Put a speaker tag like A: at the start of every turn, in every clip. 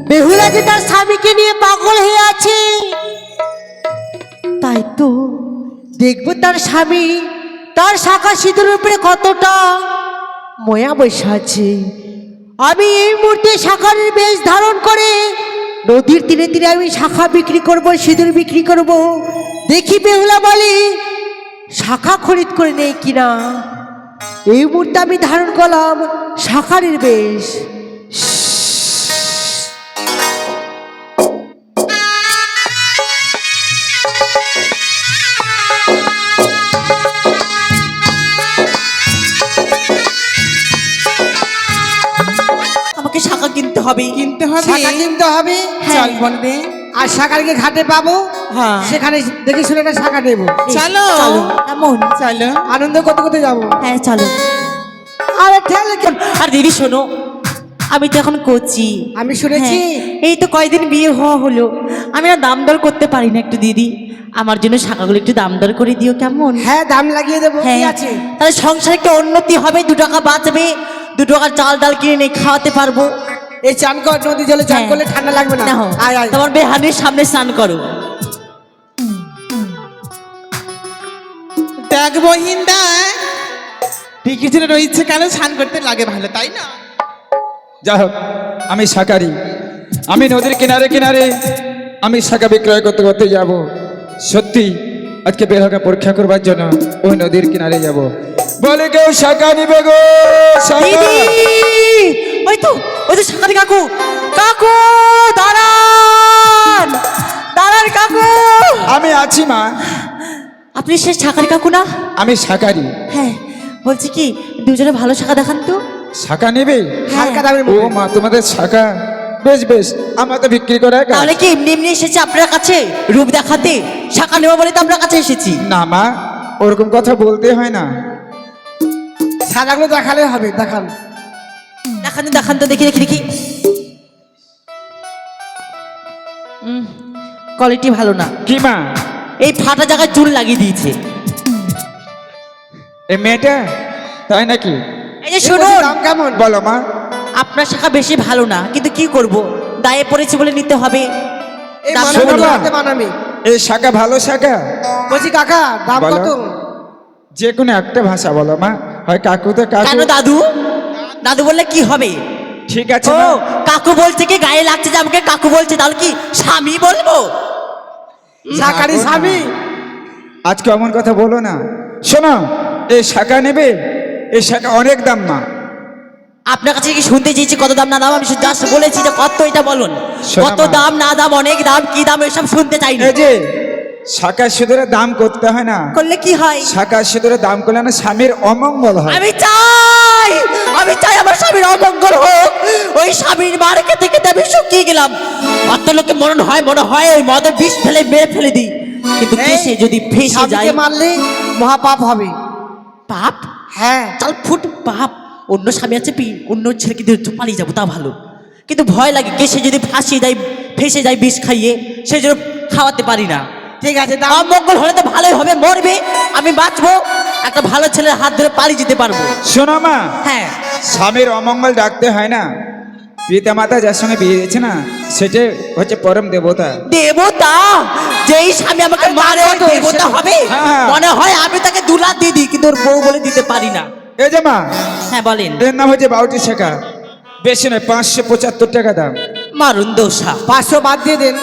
A: বেহুলা যে তার স্বামীকে নিয়ে পাগল হয়ে আছে, তাই তো দেখবো তার স্বামী তার শাখা সিঁদুরের উপরে কতটা ময়া বসে আছে। আমি এই মুহূর্তে শাখার বেশ ধারণ করে নদীর তীরে তীরে আমি শাখা বিক্রি করব, সিঁদুর বিক্রি করব। দেখি বেহুলা বলে শাখা খরিদ করে নেই কিনা। এই মুহূর্তে আমি ধারণ করলাম শাখারের বেশ।
B: আমাকে শাখা কিনতে হবে,
C: শাখা কিনতে হবে।
B: চল বলবে।
C: আর শাখাকে ঘাটে পাবো,
B: হ্যাঁ
C: সেখানে দেখে শুনে একটা শাখা নেবো।
B: চলো
A: চলো এমন
B: চলো।
C: আনন্দ করতে করতে যাবো।
A: হ্যাঁ চলো।
C: আরে ঠেলে কেন?
B: আর দিদি শোনো, আমি তো এখন করছি,
C: আমি শুনেছি
B: এই তো কয়দিন বিয়ে হওয়া হলো, আমি না দাম দর করতে পারি না। একটু দিদি আমার জন্য শাখাগুলো একটু দাম দর করে দিও কেমন?
C: হ্যাঁ, দাম লাগিয়ে দেবো। কি
B: হ্যাঁ
C: আছে?
B: তাহলে সংসারে একটু উন্নতি হবে, 2 টাকা বাঁচবে, 2 টাকার চাল ডাল কিনে নিয়ে খাওয়াতে পারবো।
C: এই চান কর, নদী জলে চান
B: হ্যাঁ।
C: করলে ঠান্ডা লাগবে না।
B: নাও,
C: আয় আয়।
B: তোমার বেহানির সামনে স্নান করো।
D: দেখ বহিন দেখ, পিকিচুরে রয়েছে কেন স্নান করতে লাগে ভালো, তাই না?
E: যা হোক, আমি শাকারি, আমি নদীর কিনারে কিনারে আমি শাখা বিক্রয় করতে করতে যাব। সত্যি আজকে বেহাকে পরীক্ষা করবার জন্য ওই নদীর কিনারে যাব। বলে কেউ শাখা নিবে গো? শাখা?
B: দিদি ওই তো শাকারি কাকু, কাকু দাঁড়ান, দাঁড়ান কাকু।
E: আমি আছি মা,
B: আপনি সে শাকারি কাকু না?
E: আমি শাকারি।
B: হ্যাঁ বলছি কি, দুজনে ভালো শাখা দেখান তো।
E: শাখা নেবে?
C: হালকা দামের
E: ও
C: মধ্যে।
E: মা, তোমাদের শাখা বেশ বেশ, আমরা তো বিক্রি করে কাজ।
B: তাহলে কি এমনি এমনি এসেছি আপনার কাছে রূপ দেখাতে? শাখা নেবো বলে তো আপনার কাছে এসেছি।
E: না মা, ওরকম কথা বলতে হয় না।
C: সাদাগুলো দেখালে হবে, দেখান।
B: দেখান তো, দেখান তো, দেখি দেখি দেখি। কোয়ালিটি ভালো না,
E: কি মা?
B: এই ফাটা জায়গায় চুল লাগিয়ে দিয়েছে।
E: এ মেয়েটা তাই নাকি?
B: এই যে
C: এর
B: শুনুন,
C: দাম কেমন?
E: বলো মা।
B: আপনার শাখা বেশি ভালো না, কিন্তু কি করব, দায়ে পড়েছি বলে নিতে হবে।
C: এই
B: দাম
C: মানামি
E: শোনো না।
C: হাতে মানামি।
E: এই শাখা ভালো শাখা?
C: বলছি কাকা, দাম
E: বলো।
C: কত?
E: যে কোনো একটা ভাষা বলো মা, হয় কাকু তো কাকু।
B: কেন দাদু? দাদু বললে কি হবে?
E: ঠিক আছে
B: ও
E: মা।
B: কাকু বলছে কি, গায়ে লাগছে যে আমাকে কাকু বলছে, তাহলে কি স্বামী বলবো?
C: শাকারি
E: না, না।
C: স্বামী।
E: আজকে এমন কথা বলো না। শোনো, এই শাখা নেবে? এই শাখা অনেক দাম মা।
B: আপনার কাছে কি শুনতে চেয়েছি কত দাম না দাম? আমি জাস্ট বলেছি যে কত, এটা বলুন
E: শোনো
B: কত
E: মা।
B: দাম না দাম, অনেক দাম, কি দাম, এসব শুনতে চাই না।
E: এই যে শাখা সিঁদুরের দাম করতে হয় না।
B: করলে কি হয়?
E: শাখা সিঁদুরের দাম করলে না স্বামীর অমঙ্গল হয়।
B: আমি চাই, আমি চাই আমার স্বামীর অমঙ্গল হোক। ওই স্বামীর মার খেতে খেতে আমি শুকিয়ে গেলাম। অত লোকে মনে হয় ওই মদে বিষ ফেলে মেরে ফেলে দিই, কিন্তু
C: এই,
B: কেসে যদি ফেসে যায়,
C: স্বামীকে মারলে মহাপাপ হবে।
B: পাপ?
C: হ্যাঁ।
B: চাল ফুট পাপ। অন্য স্বামী আছে, অন্য ছেলেকে দিয়ে পালিয়ে যাবো তা ভালো, কিন্তু ভয় লাগে কেসে যদি ফাঁসিয়ে যায়, ফেসে যায় বিষ খাইয়ে, সেই জন্য খাওয়াতে পারি না।
C: ঠিক আছে, দাম।
B: অমঙ্গল হলে তো ভালোই হবে, মরবে, আমি বাঁচবো, একটা ভালো ছেলের হাত ধরে পালিয়ে যেতে পারবো।
E: শোনো মা,
B: হ্যাঁ,
E: স্বামীর অমঙ্গল ডাকতে হয় না। পিতা মাতা যার সঙ্গে বিয়ে দিয়েছে না, সেটা হচ্ছে পরম দেবতা।
B: দেবতা? যেই স্বামী আমাকে
C: আরে
B: মারে,
C: দাম কত?
B: দেবতা হবে?
E: হ্যাঁ।
B: মনে হয় আমি তাকে দুলা দিয়ে দিই, কিন্তু ওর বউ বলে দিতে পারি না।
E: এই যে মা,
B: হ্যাঁ বলেন।
E: এর নাম হচ্ছে বাউটি শাখা। বেশি নয়, 575 টাকা দাম।
B: মারুন দোষা,
C: 500 বাদ দিয়ে দেন।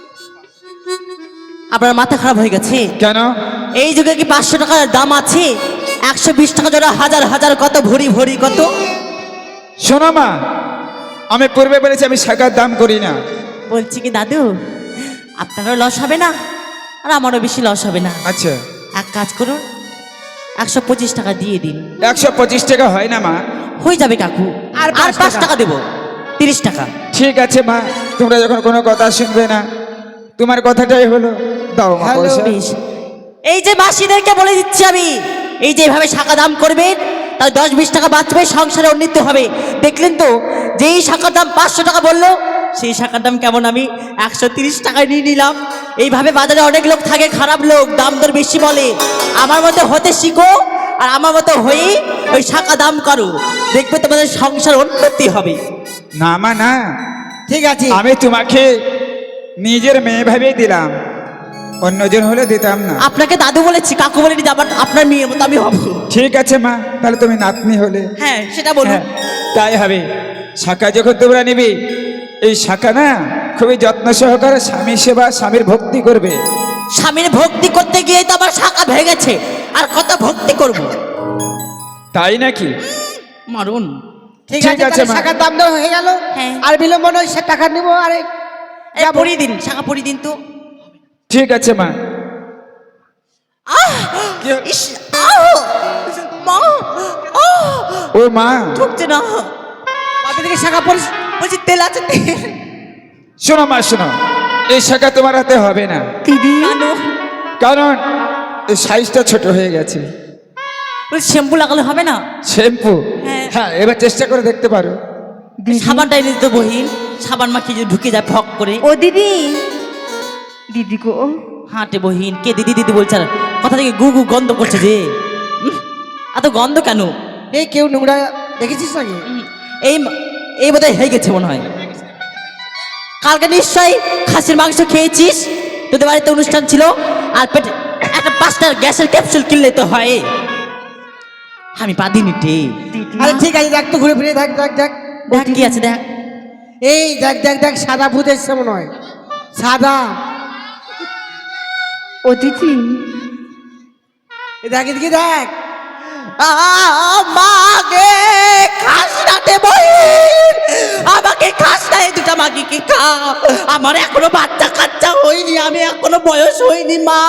B: আপনার মাথা খারাপ হয়ে গেছে?
E: কেন?
B: এই যুগে কি 500 টাকার দাম আছে? 120 টাকা জোড়া, হাজার হাজার কত, ভরি ভরি কত।
E: শোনো মা, আমি পূর্বে বলেছি আমি শাখার দাম করি না।
B: বলছি কি দাদু, আপনারও লস হবে না আর আমারও বেশি লস হবে না।
E: আচ্ছা,
B: এক কাজ করুন, 125 টাকা দিয়ে দিন।
E: 125 টাকা হয় না মা।
B: হয়ে যাবে কাকু,
C: আর
B: আর
C: 5
B: 5 টাকা দেবো, 30 টাকা।
E: ঠিক আছে মা, তোমরা যখন কোনো কথা শুনবে না, তোমার কথাটাই হলো, দাও মা
C: হ্যালো।
E: পয়সা।
B: বেশ, এই যে মাসিদেরকে বলে দিচ্ছি আমি, এই যে এভাবে শাখা দাম করবেন, তাহলে 10-20 টাকা বাঁচবে, সংসারে উন্নতি হবে। দেখলেন তো, যেই শাখার দাম 500 টাকা বললো, সেই শাখার দাম কেমন আমি 130 টাকায় নিয়ে নিলাম। এইভাবে বাজারে অনেক লোক থাকে, খারাপ লোক, দাম দর বেশি বলে। আমার মতো হতে শিখো, আর আমার মতো হয়ে ওই শাখা দাম করো, দেখবে তোমাদের সংসার উন্নতি হবে।
E: না মা না,
C: ঠিক আছে
E: আমি তোমাকে নিজের মেয়ে ভেবেই দিলাম, অন্যজন হলে দিতাম না।
B: আপনাকে দাদু বলেছি, কাকু বলেনি যে আবার আপনার মেয়ের মতো আমি হব।
E: ঠিক আছে মা, তাহলে তুমি নাতনি হলে।
B: হ্যাঁ সেটা বলুন।
E: হ্যাঁ, তাই হবে। শাখা যখন তোমরা নিবি, এই শাখা না খুবই যত্ন সহকারে স্বামী সেবা, স্বামীর ভক্তি করবে।
B: স্বামীর ভক্তি করতে গিয়ে তো আবার শাখা ভেঙেছে, আর কত ভক্তি করব।
E: তাই নাকি?
B: মারুন।
C: ঠিক
E: ঠিক
C: আছে
E: আছে,
C: তাহলে
E: মা।
C: শাখার দাম দেওয়া হয়ে গেল।
B: হ্যাঁ।
C: আর বিলম্ব নয়, সে টাকা নিবো। আরে
B: এই পরিয়ে দিন, শাখা পরিয়ে দিন তো।
E: ঠিক আছে মা। কি হলো?
B: ইস, আহ! মা, আহ!
E: ও মা,
B: ঢুকছে না।
C: বাপের দিকে শাখা পরিস।
B: বলছি তেল আছে তেল।
E: শোনো মা শোনো, এই শাখা তোমার হাতে হবে না,
A: দিদি
B: কেন?
E: কারণ এই সাইজটা ছোট হয়ে গেছে।
B: বলছি শ্যাম্পু লাগালে হবে না?
E: শ্যাম্পু?
B: হ্যাঁ।
E: হ্যাঁ, এবার চেষ্টা করে দেখতে পারো।
B: সাবানটা এনে দিত বহিন, সাবান মাখিয়ে যদি ঢুকে যায় ফক করে।
A: ও দিদি, দিদি গো,
B: হাঁটে বহিন, কে দিদি দিদি বলছে, আর কথা থেকে গু গু গন্ধ করছে যে। এত গন্ধ কেন?
C: এই কেউ নোংরা দেখেছিস নাকি?
B: এই এই বোধহয় হয়ে গেছে মনে হয়। কালকে নিশ্চয়ই খাসির মাংস খেয়েছিস, তোদের বাড়িতে অনুষ্ঠান ছিল, আর পেটে একটা 5টা গ্যাসের ক্যাপসুল কিনলে তো হয়। আমি পাদিনি টে।
C: আরে ঠিক আছে, দেখ তো ঘুরে ফিরে দেখ দেখ দেখ।
B: দেখ কি আছে দেখ।
C: এই দেখ দেখ দেখ, সাদা ভূত এসছে মনে হয়। সাদা।
A: ও দিদি,
C: এই দেখ এদিকে দেখ।
B: মাগে খাস নাতে বহিন, আমাকে খাস না, এই দুটা মাগি কি খা। আমার এখনো বাচ্চা কাচ্চা হয়নি, আমি এখনো বয়স হয়নি মা।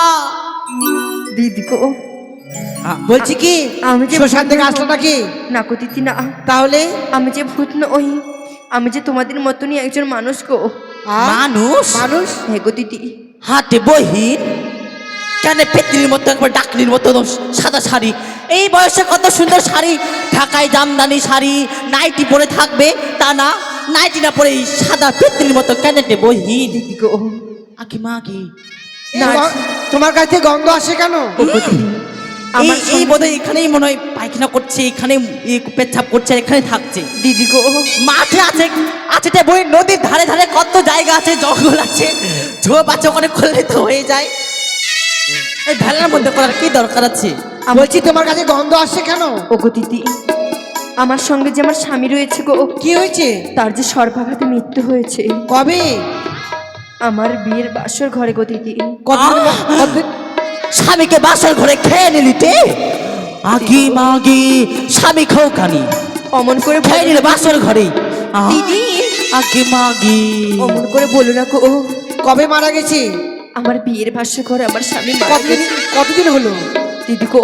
A: দিদি গো,
C: বলছি কি
A: আমি যে
C: শ্মশান থেকে আসলো নাকি?
A: না গো দিদি না,
C: তাহলে
A: আমি যে ভূত নই, আমি যে তোমাদের মতনই একজন মানুষ গো।
B: মানুষ?
C: মানুষ
A: হ্যাঁ গো দিদি।
B: হাতে বহিন, কেন পেত্রির মতো একবার ডাকনির মতো সাদা শাড়ি, এই বয়সে কত সুন্দর শাড়ি, ঢাকায় জামদানি শাড়ি, নাইটি পরে থাকবে, তা না, নাইটি না পরে এই সাদা পেত্রির মতো কেনেটে বহিন।
A: দিদি গো,
B: আকি মা কি
C: এই তোমার কাছ থেকে গন্ধ আসে কেন?
A: ও গো দিদি, আমার
B: এই বোধহয় এখানেই মনে হয় পায়খানা করছে, এখানে পেচ্ছাপ করছে, আর এখানে থাকছে।
A: দিদি গো,
B: মাঠে আছে, আছে তে বই, নদীর ধারে ধারে কত জায়গা আছে, জঙ্গল আছে, ঝোপ আছে, ওখানে করলে তো হয়ে যায়। এই ভেলার মধ্যে করার কি দরকার আছে?
C: বলছি তোমার কাছে গন্ধ আসছে কেন?
A: ও গো দিদি, আমার সঙ্গে যে আমার স্বামী রয়েছে গো,
C: কি হয়েছে?
A: তার যে সর্বাঘাতে মৃত্যু হয়েছে।
C: কবে?
A: আমার বিয়ের বাসর ঘরে গো দিদি।
C: কতদিন কতদিন?
B: স্বামীকে বাসার ঘরে খেয়ে নিলি তে? আগে মাগে স্বামী খাও খানি,
A: অমন করে
B: খেয়ে নিলে বাসার ঘরে।
A: দিদি,
B: আগে মাগে
A: অমন করে বলো না গো,
C: কবে মারা গেছে?
A: আমার বিয়ের বাসর ঘরে আমার স্বামী মারা
C: কতদিন
A: গেছে।
C: কতদিন হলো?
A: দিদি গো,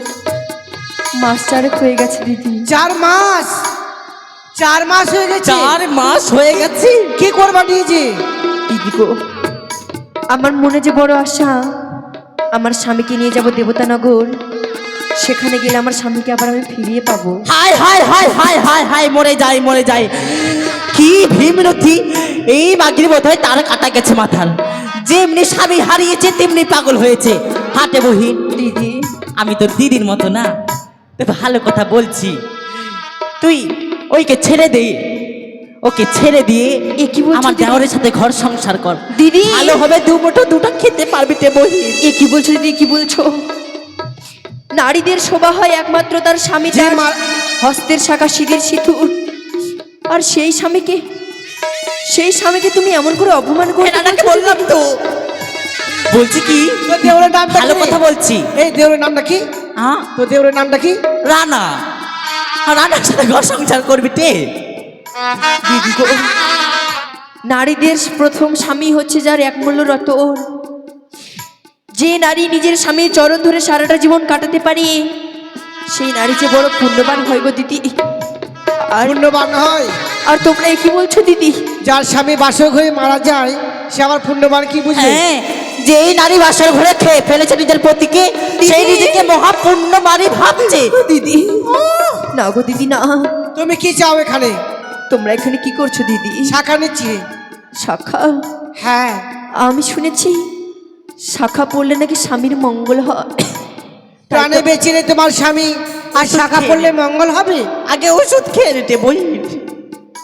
A: মাস 4 হয়ে গেছে দিদি।
C: 4 মাস? 4 মাস হয়ে গেছে?
B: 4 মাস হয়ে গেছে।
C: কি করবা নিয়েছে?
A: দিদি গো, আমার মনে যে বড় আশা, আমার স্বামীকে নিয়ে যাব দেবতানগর, সেখানে গেলে আমার স্বামীকে আবার আমি ফিরিয়ে পাবো।
B: হায় হায় হায় হায় হায় হায়, মরে যাই মরে যাই। কি ভীমরথী, এই মাগির বোধ হয় তার কাটা গেছে মাথার, যেমনি স্বামী হারিয়েছে তেমনি পাগল হয়েছে। হাটে বহিন,
A: দিদি,
B: আমি তোর দিদির মতো না, তো ভালো কথা বলছি, তুই ওইকে ছেড়ে দে, ওকে ছেড়ে দিয়ে
A: এ কি বলছো
B: আমার
A: দিদি?
B: দেওরের সাথে ঘর সংসার কর,
A: দিদি,
B: ভালো হবে, দু মুঠো দুটো খেতে পারবি তে বহিন।
A: এ কি বলছো দিদি, কি বলছো? নারীদের শোভা হয় একমাত্র তার স্বামী,
C: যে
A: তার
C: মা-
A: হস্তের শাখা সিঁদুর সিঁথুর, আর সেই স্বামীকে তুমি এমন করে অপমান করে
B: নানাকে বললাম তো, বলছি কি
C: তোর দেওরের নামটা
B: ভালো
C: কি?
B: কথা বলছি।
C: এই দেওরের নামটা কি?
B: হ্যাঁ,
C: তোর দেওরের নামটা কি?
B: রানা, আর রানার সাথে ঘর সংসার করবি তে।
A: দিদি গো, নারীদের প্রথম স্বামী হচ্ছে যার একমূল্য রতন। যে নারী নিজের স্বামীর চরণ ধরে সারাটা জীবন কাটাতে পারে, সেই নারী যে বড় পুণ্যবান হয় গো দিদি। আর
C: পুণ্যবান হয়?
A: আর তোমরা এ কি বলছো দিদি?
C: যার স্বামী বাসর ঘরে মারা যায় সে আবার পুণ্যবান, কি বুঝলে?
B: হ্যাঁ, যেই নারী বাসার ঘরে খেয়ে ফেলেছে নিজের পতিকে, সেই নিজেকে মহাপুণ্য মারি ভাবছে।
A: দিদি, না গো দিদি না,
C: তুমি কি চাও এখানে?
A: তোমরা এখানে কি করছো দিদি?
C: শাখা নিচ্ছি।
A: শাখা?
C: হ্যাঁ,
A: আমি শুনেছি শাখা পড়লে নাকি স্বামীর মঙ্গল হয়।
C: প্রাণে বেঁচে নেই তোমার স্বামী, আর শাখা পড়লে মঙ্গল হবে?
B: আগে ওষুধ খেয়ে নিতে বই।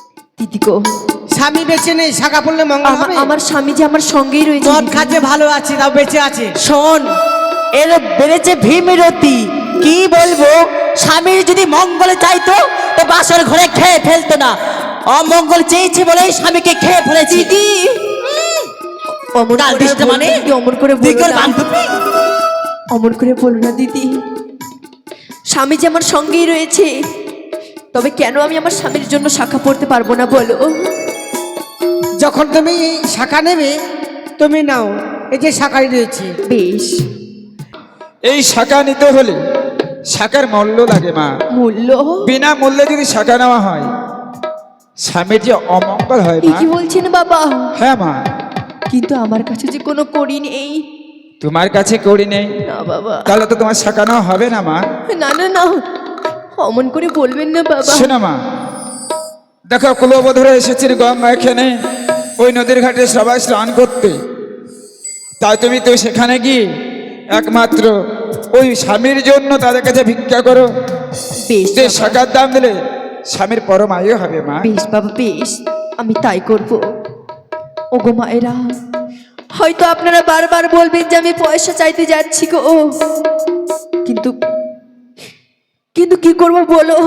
A: দিদি গো,
C: স্বামী বেঁচে নেই, শাখা পড়লে মঙ্গল হবে?
A: আমার স্বামী যে আমার সঙ্গেই রয়েছে
C: মদ
A: দিদি।
C: খাচ্ছে, ভালো আছে, তাও বেঁচে আছে।
B: শোন, এর বেড়েছে ভীমরতি। কি বলবো, স্বামীর যদি মঙ্গল চাইতো তো বাসর ঘরে খেয়ে ফেলতো না। অমঙ্গল চেয়েছে বলেই স্বামীকে খেয়ে ফেলেছি।
A: দিদি অমর
B: ডাল
A: করে
B: দিসটা
A: বলো
B: মানে?
A: দিদি, অমর করে বলো
B: দিগর
A: না।
B: বান্ধবী।
A: অমর করে বলো না দিদি, স্বামী যে আমার সঙ্গেই রয়েছে, তবে কেন আমি আমার স্বামীর জন্য শাখা পড়তে পারবো না বলো?
C: যখন তুমি এই শাখা নেবে, তুমি নাও, এই যে শাখাই রয়েছে।
A: বেশ,
E: এই শাখা নিতে হলে শাখার মূল্য লাগে মা।
A: মূল্য?
E: বিনা মূল্যে যদি শাখা নেওয়া হয়, স্বামীর যে অমঙ্গল হয়
A: এ
E: মা।
A: কি বলছেন বাবা?
E: হ্যাঁ মা,
A: কিন্তু আমার কাছে যে কোনো কড়ি নেই।
E: তোমার কাছে করি নেই,
A: না বাবা,
E: তাহলে তো তোমার শাখা নেওয়া হবে না মা।
A: না না না, অমন করে বলবেন না বাবা।
E: শোনো মা, দেখো কুলবধূরা এসেছেন গঙ্গা এখানে ওই নদীর ঘাটে সবাই স্নান করতে। তাই তুমি তো সেখানে গিয়ে একমাত্র ওই স্বামীর জন্য তাদের কাছে ভিক্ষা করো।
A: বেশ
E: যে
A: বাবা,
E: শাখার দাম দিলে স্বামীর পরম আয়ু হবে মা।
A: বেশ বাবা, বেশ, আমি তাই করব। ওগো মায়েরা, হয়তো আপনারা বারবার বলবেন যে আমি পয়সা চাইতে যাচ্ছি গো, কিন্তু কিন্তু কি করব বলো?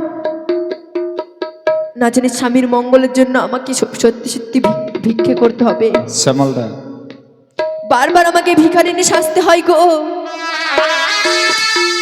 A: না জানি স্বামীর মঙ্গলের জন্য আমাকে সত্যি সত্যি ভিক্ষে করতে হবে।
E: শ্যামলদা,
A: বারবার আমাকে ভিখারিনী সাজতে হয় গো।